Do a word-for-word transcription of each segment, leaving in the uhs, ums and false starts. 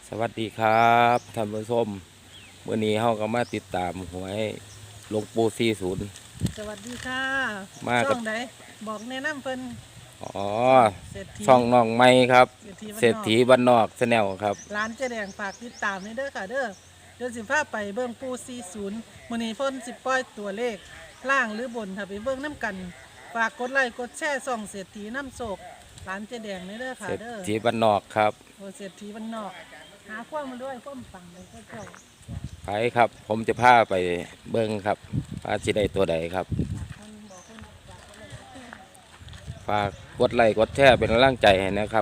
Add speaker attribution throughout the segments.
Speaker 1: สวัสดีครับท่านผู้ชมเมื่อนี้เฮาก็มาติดตามหวยหลวงปู่สี่สิบ
Speaker 2: สวัสดีค่ะ
Speaker 1: มากับ
Speaker 2: ช่องไหนบอกแนะนำเพิ่น
Speaker 1: อ๋อ
Speaker 2: เศรษฐี
Speaker 1: ช่องน้องไม้ครับเศรษฐี
Speaker 2: บ้านนอก
Speaker 1: บ้านนอกแนลครับ
Speaker 2: ร้านเจ๊แดงฝากติดตามนี่เด้อค่ะเด้อเดี๋ยวสิพาไปเบิ่งปู่สี่สิบมื้อนี้เพิ่นสิปล่อยตัวเลขล่างหรือบนถ้าไปเบิ่งนํกันฝากกดไลค์กดแชร์ช่องเศรษฐีน้ำโศกร้านเจ๊แดงนี่เด้อค่ะ
Speaker 1: เศรษ
Speaker 2: เด้อ
Speaker 1: ฐีบ้านนอกครับ
Speaker 2: โอ้เศรษฐีบ้านนอกหาความมาด้วยความปังเลยเจ้า
Speaker 1: ไปครับผมจะพาไปเบิ่งครับว่าสิได้ตัวใดครับฝากกดไลค์กดแชร์เป็นกำลังใจให้นะครับ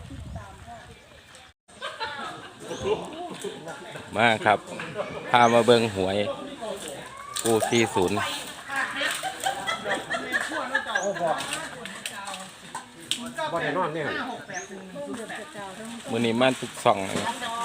Speaker 1: มาครับพามาเบิ่งหวยปู่สี่สิบ
Speaker 3: บ่ได้นอนเนี่ย
Speaker 1: มื้อนี้มาทุกช่องนะครับ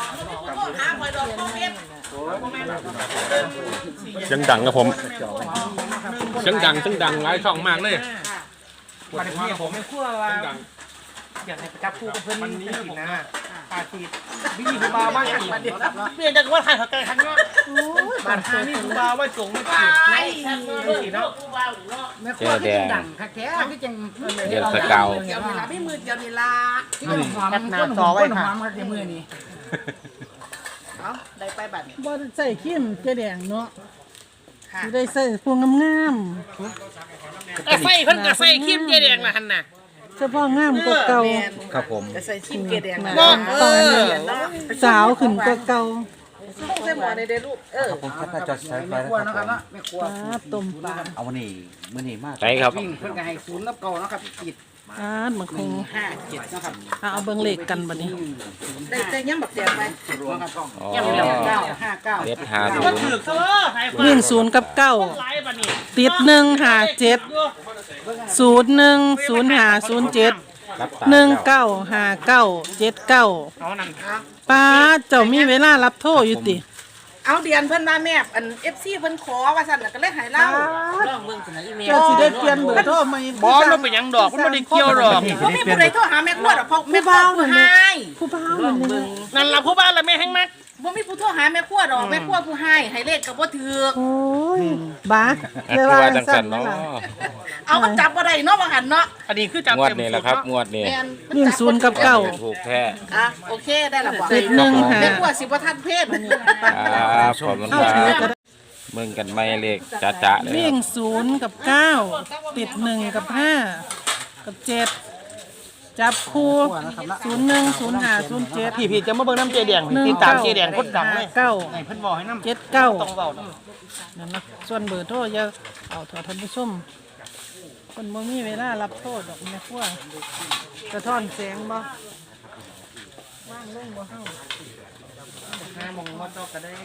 Speaker 3: เสียงดังครับผมเสียงดังเสียงดังหลายช่องมากเลย
Speaker 4: มาถึงเนี่ยผมไม่คั่วว่าอยากให้ประจับคู่กับเพื่อนนี่นะอาชีพวิธีคูบาว่าอย่างนี้เปลี่ยนจากว่าถ่ายเขาไกลทันเนาะบานหานี่คูบาว่าจงไม่ผิดไม่ผิดเนาะ
Speaker 1: แม่คั่วที่ดังค่ะแท้ที่จังเดือนสกาว
Speaker 4: เดี๋ยวเวลาไม่มือเดี๋ยวเวลาที่มันหอมมันหอมไว้ค่ะมันจะมือนี่เอาได้ไปบัด
Speaker 2: บ่ใส่ขิมเจ๊แดงเนาะสิได้ใส่พวงงาม
Speaker 4: ๆก็ใส่เพิ่นก็ใส่ครีมเจ๊แดงล่ะหั่นน่ะ
Speaker 2: เฉพาะงามกว่าเก่า
Speaker 3: ครับผม
Speaker 4: ก็ใส่ครีมเจ๊แดงน่ะ
Speaker 2: เออสาวขึ้นกว่าเก่า
Speaker 4: ต้องใส่หมอในเด้อลูกเออ
Speaker 5: ผมจะจอดใช้ไฟ
Speaker 4: นะครับเนาะแม่ครัว
Speaker 2: ต้มปลา
Speaker 5: เอาวันนี้มื้อนี้มาก
Speaker 1: ไปครับ
Speaker 4: วิ่งเพิ่นก็ให้ศูนย์นับเก่าเนาะครับปิด
Speaker 2: อ่ามันคง
Speaker 4: ห้าเจ็ดนะครับ
Speaker 2: เอาเบิ่งเลขกันบัดนี้
Speaker 4: ได้ได้ยังบักแดงไป
Speaker 1: อ๋อ
Speaker 4: ยังเหลือเก้าห้าเก้า
Speaker 1: เด็ดหาดู
Speaker 2: วิ่งศูนย์กับเก้าติดหนึ่งหาเจ็ดศูนย์หนึ่งศูนย์หาศูนย์เจ็ดหนึ่งเก้าหาเก้าเจ็ดเก้าป้าเจ้ามีเวลารับโทษอยู่ติ
Speaker 4: เอาเดียนเพิ่นมาแม่อัน เอฟ ซี เพิ่นขอว่าซั่นน่ะก็เลยให้เล่าลองเบิ่งซั่นน่ะอีเมล
Speaker 2: เจ้าสิได้เปลี่ยนเบอร์โทรใหม่
Speaker 6: บ่เราเป็นหยังดอกมันบ่ได้เกี่ยวดอก
Speaker 4: บ่มีผู้ใดโทรหาแม่ครัวดอกเพราะแม่ครัวผู้ให้
Speaker 2: ผู้บ่าวนั่น
Speaker 6: นั่นล่ะผู้บ้านละแม่แฮงมัก
Speaker 4: บ่มีผู้โทรหาแม่ครัวดอกแม่ครัวผู้ให้ให้เลขก็บ่ถูก
Speaker 2: โอ้ยบ้า
Speaker 1: เรียกว่าจังซั่นเนาะ
Speaker 4: เอามันจับบ่ได้เนาะว่าหั่นเนาะ
Speaker 6: อันนี้คือจับ
Speaker 1: งวดนี้แหละครับงวดนี้
Speaker 2: วิ่งศูนย์กับเก้า
Speaker 1: ถูกแท้
Speaker 4: อ่ะโอเคได้ละบ่
Speaker 2: ติดหนึ่งหา
Speaker 4: แม่ครัวสิบ่ทันเพศมื้อนี้
Speaker 1: ครับขอบคุณครับเบิ่งกันไม่เลขจ๋าๆเลย
Speaker 2: วิ่งศูนย์กับเก้าติดหนึ่งกับห้ากับเจ็ดจับคู่ศูนย์หนึ่งศูนย์ห้าศูนย์เจ็ด
Speaker 6: พี่ๆจะมาเบิ่งน้ำเจแดงติดตามเจแดงคนดังเลย
Speaker 2: เก้า
Speaker 6: ให้เพิ่นบอกให้นำ
Speaker 2: เจ็ดเก้า
Speaker 6: ต้องเว้า
Speaker 2: นั่นนะส่วนเบอร์โทรอย่าเอาเถอะท่านผู้ชมคนบ่มีเวลารับโทษดอกแม่ครัวกระท่อนแสงบ่ว่างลงบ่เฮา
Speaker 4: ห้ามองบ่ตอกก็ได้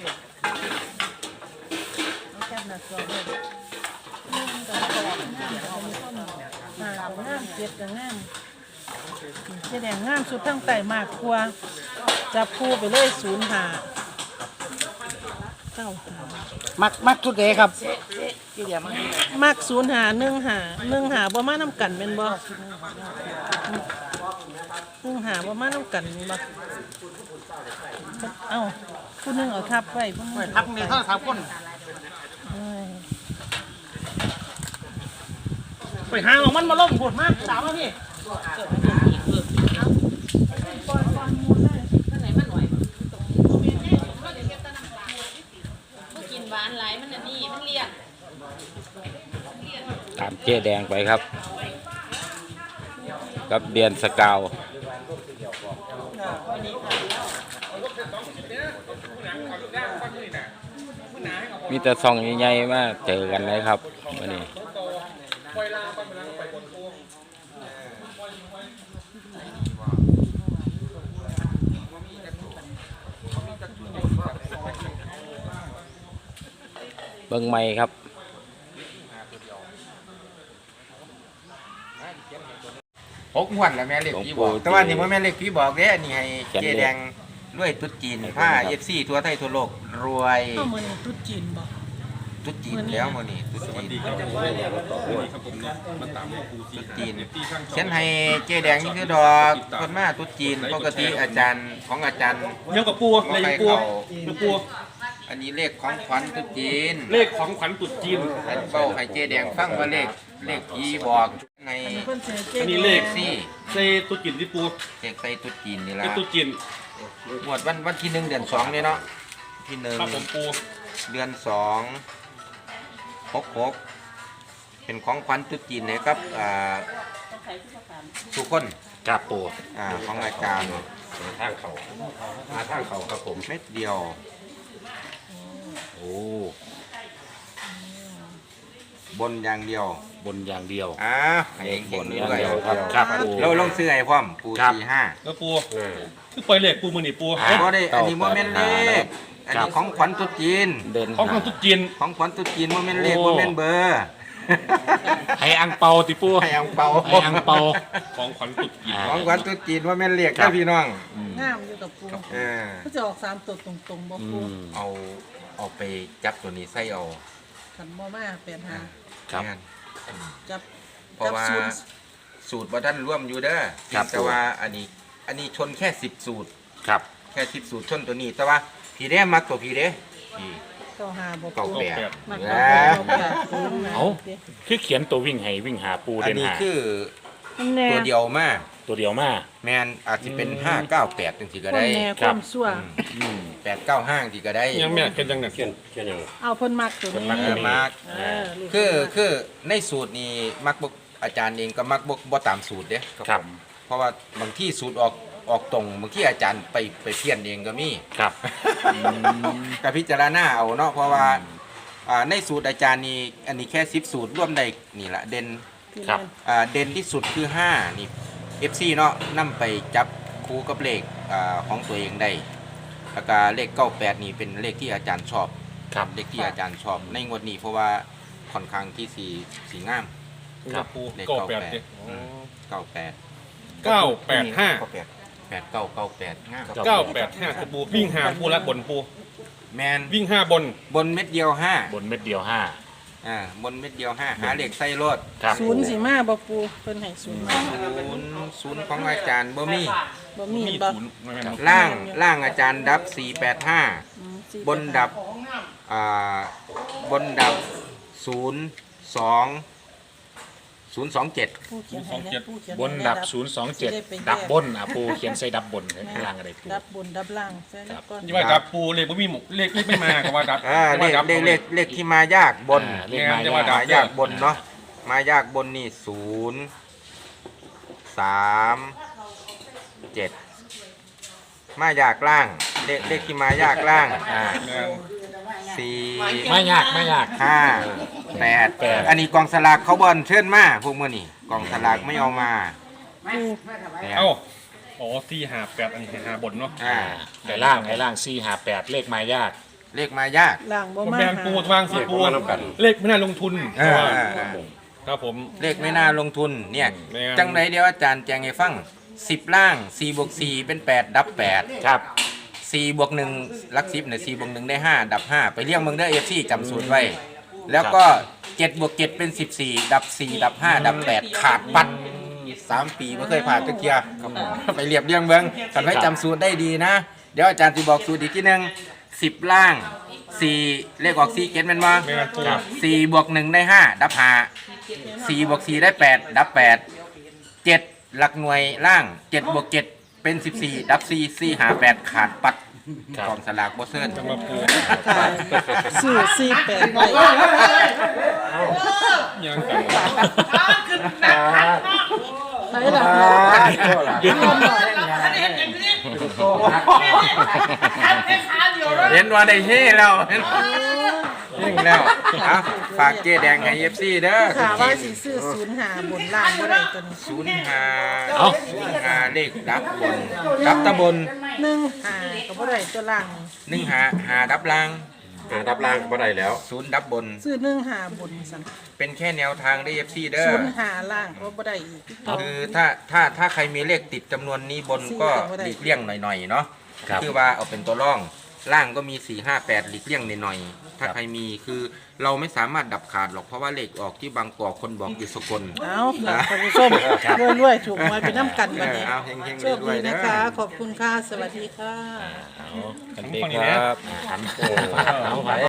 Speaker 2: เอาแค่หน้าจอเด้อนี่มันก็ตลอดงามเอามาต้นหน้าก็งามเจ็ดก็งามเจ๊แดงงามสุดทั้งไต่มากกว่าจับคู่ไปเลยศูนย์ห้าเก้าห้า
Speaker 6: มักมักสุดเด้ครับ
Speaker 2: มักศูนย์ห้าหนึ่งห้าหนึ่งห้าบ่มานํกันแม่นบ่หนึ่งห้าบ่มานํกันแม่นบ่เอ้าผู้นึงเอาทับไว้ผู้นึง
Speaker 6: ทับนี่เท่าสามคนไปหาของมันมาล่มปวดมากสามแล้วพี่
Speaker 1: ตามเจ๊แดงไปครับกับเดือนสกาวมีแต่ซองใหญ่ๆมาเจอกันเลยครับวันนี้เบิ่งใหม่ครับ
Speaker 7: หกงวดแล้วแม่เล็กพี่บอกแต่ว่านี่ว่าแม่เล็กพี่บอกเด้อันนี้ให้เจแดงด้วยตุ๊ดจีนผ้าเอฟซีทั่วไทยทั่วโลกรวย
Speaker 2: เข้ามาในตุ๊ดจีนบ่
Speaker 7: ตุ๊ดจีนแล้วมื้อนี้ตุ๊ด
Speaker 3: สวัส
Speaker 7: จี
Speaker 3: ดี
Speaker 7: น
Speaker 3: ครับผมนี่ครับผมเนี่ยมาตามปูซี
Speaker 7: ตุ๊ดจีน
Speaker 3: ที่ข้าง
Speaker 7: เขียนให้เจ๊แดงนี่คือดอกคนมาตุ๊ดจีนปกติอาจารย์ของอาจารย์
Speaker 3: เยี่ยมกับปูเลยปูปูปู
Speaker 7: อันนี้เลขของขวัญตุ๊ดจีน
Speaker 3: เลขของขวัญตรุษจีน
Speaker 7: อันเป้าให้เจ๊แดงฟังว่าเลขเลขผีบอกใน
Speaker 2: เพิ่นสิเจ๊
Speaker 3: อันนี้เลข
Speaker 7: ซี่
Speaker 3: เซตรุษจีนที่ปู
Speaker 7: เลขใส่ตุ๊ดจีนนี่
Speaker 3: เป็
Speaker 7: ล่ะ
Speaker 3: นตรุษจีน
Speaker 7: หมวดวันวันที่หนึ่งเดือนสองเนี่ยเนาะที่หนึ่ง
Speaker 3: ครับผมปู
Speaker 7: เดือนสองหกหกเป็นของขวัญตุ๊ดจีนเลยครับอ่าทุกคน
Speaker 3: กับปู
Speaker 7: อ่าของอาจารย์
Speaker 3: ทางเขามาทางเขาครับผม
Speaker 7: เม็ดเดียว
Speaker 3: โอ้
Speaker 7: บนอย่างเดียว
Speaker 3: บนอย่างเดียว
Speaker 7: อ่าให้เก่งด้วย
Speaker 3: ครับครับปู
Speaker 7: เราลงซื้อไอ้พร้อมปู
Speaker 3: ครับ
Speaker 7: สี่ห้า
Speaker 3: แล้วปูคือปล่อยเลขปูมือนี่ปู
Speaker 7: อ่าบ่ได้อันนี้โมเมนต์เลขอันนี้ของขวัญตุ๊ดจีน
Speaker 1: เด่น
Speaker 3: ของขวัญตรุษจีน
Speaker 7: ของขวัญตุ๊ดจีนโมเมนต์เลข
Speaker 3: โอ้
Speaker 7: โมเมนต์เบอร์
Speaker 3: ให้อังเปาติปู
Speaker 7: ให้อังเปา
Speaker 3: ให้อังเปาของขวัญตรุษจีน
Speaker 7: ของขวัญตุ๊ดจีนโมเมนต์เลขครับพี่น้อง
Speaker 2: งามอยู่กับปู
Speaker 7: เออ
Speaker 2: ก็จะออกสามตัวตรงๆบ่ปู
Speaker 7: เอาเอาไปจับตัวนี้ใส่เอา
Speaker 2: ขันบ่มาแปดหา
Speaker 3: ครับ
Speaker 7: แม่น
Speaker 2: จับ
Speaker 7: เพราะ
Speaker 2: จับ
Speaker 7: ว่า
Speaker 2: ศูนย์
Speaker 7: สูตรว่าท่านร่วมอยู่เด้อ
Speaker 3: ครับ
Speaker 7: แต่ว่าอันนี้อันนี้ชนแค่สิบสูตร
Speaker 3: ครับ
Speaker 7: แค่สิบสูตรชนตัวนี้ แต่ว่าพี่เด้มักตัวพี่เด้พี่
Speaker 2: เก้าหาบ่
Speaker 7: เก้า
Speaker 2: ปู
Speaker 7: แปด
Speaker 2: มา
Speaker 7: นะ
Speaker 2: เก้าแปดปู
Speaker 3: เอาคือเขียนตัววิ่งให้วิ่งหาปู
Speaker 7: อัน
Speaker 3: เด่น
Speaker 7: นี้
Speaker 3: หา
Speaker 7: คือ
Speaker 2: แน่
Speaker 7: ตัวเดียวมา
Speaker 3: ตัวเดียวมา
Speaker 7: แมนอาจจะเป็นห้าเก้าแปดจังสิก็
Speaker 2: คน
Speaker 7: ได้
Speaker 2: แน่
Speaker 3: ค
Speaker 2: ครับ วามชั่ว
Speaker 7: แปดเก้าห้าจังสิก็ได้
Speaker 3: ยังไม่เขียนจังเนี่ยเขียนเขียนยัง
Speaker 2: เอาเพิ่นมักตัว
Speaker 3: เพิ่น
Speaker 2: นี้
Speaker 3: มัก
Speaker 7: เออมาก
Speaker 2: เออลูก
Speaker 7: คือคือในสูตรนี้มักบกอาจารย์เองก็มักบกบ่ตามสูตรเด้
Speaker 3: ครับ
Speaker 7: เพราะว่าบางที่สูตรออกออกตรงบางที่อาจารย์ไปไปเพี้ยนเองก็มี
Speaker 3: ครับ
Speaker 7: กับพิจารณาเอาเนาะเพราะว่าอ่าในสูตรอาจารย์นี่อันนี้แค่สิบสูตรร่วมได้นี่แหละเด่น
Speaker 3: ครับ
Speaker 7: อ่าเด่นที่สุดคือห้านี่ เอฟ ซี เนาะนำไปจับคู่กับเลขอ่าของตัวเองได้แล้วก็เลขเก้าแปดนี่เป็นเลขที่อาจารย์ชอบ
Speaker 3: ครับ
Speaker 7: เลขที่อาจารย์ชอบในงวดนี้เพราะว่าค่อนข้างที่สีสีงาม
Speaker 3: ครับปู
Speaker 7: เลข
Speaker 3: เก้า
Speaker 7: เก้า
Speaker 3: แป
Speaker 7: แป
Speaker 3: ด
Speaker 7: ด
Speaker 3: ดิ
Speaker 7: เก้าแปด
Speaker 3: เก้าแปดห้า
Speaker 7: แปดแปดเก้าเก้าแปดงาม
Speaker 3: เก้าแปดห้าปูวิ่งหาปูและบนปู
Speaker 7: แมน
Speaker 3: วิ่งห้าบน
Speaker 7: บนเม็ดเดียวห้า
Speaker 3: บนเม็ดเดียวห้า
Speaker 7: อ่าบนเม็ดเดียวห้าหาเลขใส่รถ
Speaker 3: ครับ
Speaker 2: ศูนย์สิมาบ่ปูเพิ่นให้ศูนย์มา
Speaker 7: ศูนย์ศูนย์ของอาจารย์บ่มี
Speaker 2: บ่มี
Speaker 3: มี
Speaker 2: บ่
Speaker 3: ศูนย์ไม่แม่น
Speaker 7: ล่างล่างอาจารย์ดับสี่แปดห้า
Speaker 2: อืมสี่
Speaker 7: บนดับอ่าบนดับศูนย์สองศูนย์สองเจ็ด
Speaker 2: ปูเขียนให้นะปูเขียน
Speaker 3: บนดับศูนย์สองเจ็ดดับบนอ่ะปูเขียนใส่ดับบนข้างล่างอะไรปู
Speaker 2: ดับบนดับล่างใช่แล้วก็
Speaker 3: นี่ว่าดับปูเลขบ่มีหมกเลขเลขไม่มาก็ว่าดับ
Speaker 7: อ่าเล
Speaker 3: ว่า
Speaker 7: ข
Speaker 3: ดับ
Speaker 7: เลขเลขเลขที่มายากบน
Speaker 3: อ่าเลข
Speaker 7: ม
Speaker 3: มายาก
Speaker 7: ายากบนเนาะมายากบนนี่ศูนย์สามเจ็ดมายากล่างเลขเลขที่มายากล่าง
Speaker 3: อ่า
Speaker 7: สี่
Speaker 3: ไม่ยากไม่ยาก
Speaker 7: ห้าแปด
Speaker 3: แปด
Speaker 7: อันนี้กองสลากเขาบอลเชิญมาพวกมื่อนี่กองสลากไม่เอามาแปด
Speaker 3: เอ้าอ๋อสี่หาแปดอันนี้หาบนเนาะ
Speaker 7: อ่า
Speaker 3: ไอ้ล่างไอ้ล่างสี่หาแปดเลขมายาก
Speaker 7: เลขมายาก
Speaker 2: ล่างบ่
Speaker 3: ผม
Speaker 2: มา
Speaker 3: แบนปูวางสีปูเลขไม่น่าลงทุน
Speaker 7: อ่า
Speaker 3: ครับผม
Speaker 7: เลขไม่น่าลงทุนเนี่ย
Speaker 3: แม่น
Speaker 7: จังไรเดียวอาจารย์แจงให้ฟังสิบล่างสี่บวกสี่เป็นแปดดับแปด
Speaker 3: ครับ
Speaker 7: สี่บวกหนึ่งลักสิบเนี่ยสี่บวกหนึ่งได้ห้าดับห้าไปเรียกมึงได้เอฟซีจำสูตรไว้ แล้วก็เจ็ดบวกเจ็ดเป็นสิบสี่ดับสี่ดับห้าดับแปดขาดปัดสามปีไม่เคยผ่านตะเกียร์ไปเรียบเรียงเบิ้งกันไว้จำสูตรได้ดีนะ เดี๋ยวอาจารย์จะบอกสูตรอีกทีหนึงสิบล่างสี่เลขออกสี่เจ็ดเป็นว่า
Speaker 3: แม่นปู
Speaker 7: สี่บวกหนึ่งได้ห้าดับห้าสี่บวกสี่ได้แปดดับแปดเจ็ดหลักหน่วยล่างเจ็ดบวกเจ็ดเป็นสิบสี่ดับสี่สี่หาแปดขาดปัด
Speaker 3: ครับ
Speaker 7: กองสลากโบเซิร์น
Speaker 3: จะมาปู
Speaker 2: ซื้อสี่แปดไว้
Speaker 3: ยังกัน
Speaker 2: ใช่ล่ะ
Speaker 7: เห็นว่าได้เฮ่แล้วเห็นยิ่งแล้วอ่ะฝากเจ๊แดงให้เอฟซีเด้อ
Speaker 2: ค่ะว่าสิซื้อศูนย์หาบนล่างบ่ได้ตัวนี้
Speaker 7: ศูนย์หาศูนย์หาเลขดับบนดับตะบน
Speaker 2: หนึ่งหาก็บ่ได้ตัวล่างนี่
Speaker 7: หนึ่งหาหาดับล่าง
Speaker 3: หาดับล่างก็ได้แล้ว
Speaker 7: ศูนย์ดับบน
Speaker 2: ซื้อหนึ่งหาบนสั่น
Speaker 7: เป็นแค่แนวทางได้เอฟซีเด้อ
Speaker 2: ศูนย์หาล่างก็บ่ได้อีก
Speaker 7: คือถ้าถ้าถ้าใครมีเลขติดจำนวนนี้บนก็หลีกเลี่ยงหน่อยๆเนาะ
Speaker 3: ครับ
Speaker 7: คือว่าเอาเป็นตัวร่องล่างก็มีสี่ห้าแปดหลีกเลี่ยงหน่อยๆถ้าใครมีคือเราไม่สามารถดับขาดหรอกเพราะว่าเลขออกที่บางกอกคนบอกอยู่สกล
Speaker 2: เอาค่ะท่านผู้ชมรวยๆถูกหวยไปน้ำกันวันนี้
Speaker 7: เอาเฮงๆ
Speaker 2: โชค
Speaker 7: รว
Speaker 2: ดี
Speaker 7: ยๆเด้
Speaker 2: นะ
Speaker 7: อ
Speaker 2: คะ ขอบคุณค่ะ สวัสดีค่ะ
Speaker 1: เอากันดีครับ
Speaker 3: หันโอ้
Speaker 1: เอาไป